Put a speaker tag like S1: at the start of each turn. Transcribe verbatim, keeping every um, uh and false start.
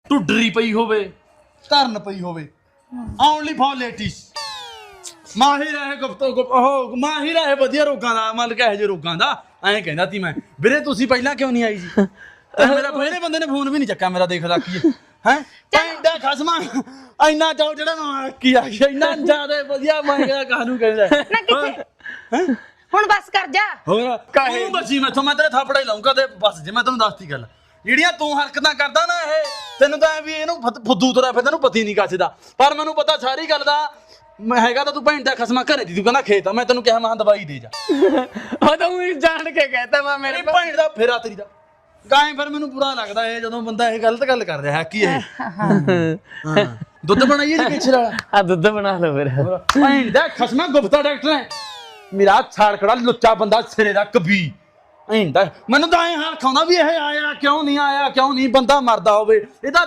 S1: ਢੁੱਡਰੀ ਪਈ ਹੋਵੇ ਧਰਨ ਪਈ ਹੋਵੇ ਓਨਲੀ ਫॉर ਲੇਡੀਜ਼ ਮਾਹਿਰ ਹੈ ਗੁਪਤੋ ਗੁਪ ਉਹ ਮਾਹਿਰ ਹੈ ਵਧੀਆ ਰੋਗਾਂ ਦਾ ਮਤਲਬ ਕਿ ਇਹੋ ਜਿਹੇ ਰੋਗਾਂ ਦਾ ਐਂ ਕਹਿੰਦਾ ਤੀ ਮੈਂ ਵੀਰੇ ਤੁਸੀਂ ਪਹਿਲਾਂ ਕਿਉਂ ਨਹੀਂ ਆਈ ਜੀ ਮੇਰਾ ਪਹਿਲੇ ਬੰਦੇ ਨੇ ਫੋਨ ਵੀ ਨਹੀਂ ਚੱਕਿਆ ਮੇਰਾ ਦੇਖਦਾ ਕੀ ਹੈ ਪੈਂਦਾ ਖਸਮਾ ਇੰਨਾ ਚਾਉ ਜਿਹੜਾ ਮੈਂ ਕੀ ਆ ਗਿਆ ਇੰਨਾ ਜ਼ਿਆਦਾ ਵਧੀਆ ਮੈਂ ਕਿਹਾ ਕਾਹਨੂੰ ਕਹਿੰਦਾ
S2: ਨਾ ਕਿੱਥੇ ਹੁਣ ਬਸ ਕਰ ਜਾ
S1: ਹੋਰ ਕਾਹੇ ਬਸੀ ਮੈਥੋਂ ਮੈਂ ਤੇਰੇ ਥਾਪੜਾ ਹੀ ਲਾਉਂਗਾ ਤੇ ਬਸ ਜੇ ਮੈਂ ਤੈਨੂੰ ਦੱਸਤੀ ਗੱਲ ਜਿਹੜੀਆਂ ਤੂੰ ਹਰਕਤਾਂ ਕਰਦਾ ਨਾ ਇਹ ਤੈਨੂੰ ਤਾਂ ਵੀ ਇਹਨੂੰ ਫੁੱਦੂ ਤੁਰਿਆ ਫਿਰ ਤੈਨੂੰ ਪਤੀ ਨਹੀਂ ਕੱਛਦਾ ਪਰ ਮੈਨੂੰ ਪਤਾ ਸਾਰੀ ਗੱਲ ਦਾ ਮੈਂ ਹੈਗਾ ਤਾਂ ਤੂੰ ਭੈਣ ਦਾ ਖਸਮਾ ਘਰੇ ਦੀ ਤੂੰ ਕਹਿੰਦਾ ਖੇਤ ਆ ਮੈਂ ਤੈਨੂੰ ਕਿਹਾ ਮੈਂ ਦਵਾਈ ਦੇ ਜਾ
S3: ਉਹ ਤਾਂ ਉਹ ਜਾਣ ਕੇ ਕਹਿਤਾ ਮੈਂ ਮੇਰੇ
S1: ਭੈਣ ਦਾ ਫੇਰਾ ਤੇਰੀ ਦਾ ਗਾਇ ਫਿਰ ਮੈਨੂੰ ਬੁਰਾ ਲੱਗਦਾ ਇਹ ਜਦੋਂ ਬੰਦਾ ਇਹ ਗਲਤ ਗੱਲ ਕਰ ਰਿਹਾ ਕੀ ਇਹ ਹਾਂ ਦੁੱਧ ਬਣਾਈਏ ਜੀ ਪਿੱਛੇ ਵਾਲਾ
S3: ਆ ਦੁੱਧ ਬਣਾ ਲਓ ਫਿਰ
S1: ਭੈਣ ਦਾ ਖਸਮਾ ਗੁਪਤਾ ਡਾਕਟਰ ਹੈ ਮੇਰਾ ਛਾੜਕੜਾ ਲੁੱਚਾ ਬੰਦਾ ਸਿਰੇ ਦਾ ਕਬੀ ਭੈਣ ਦਾ ਮੈਨੂੰ ਤਾਂ ਐ ਹਾਲ ਖਾਉਂਦਾ ਵੀ ਇਹ ਆਇਆ ਕਿਉਂ ਨਹੀਂ ਆਇਆ ਕਿਉਂ ਨਹੀਂ ਬੰਦਾ ਮਰਦਾ ਹੋਵੇ ਇਹਦਾ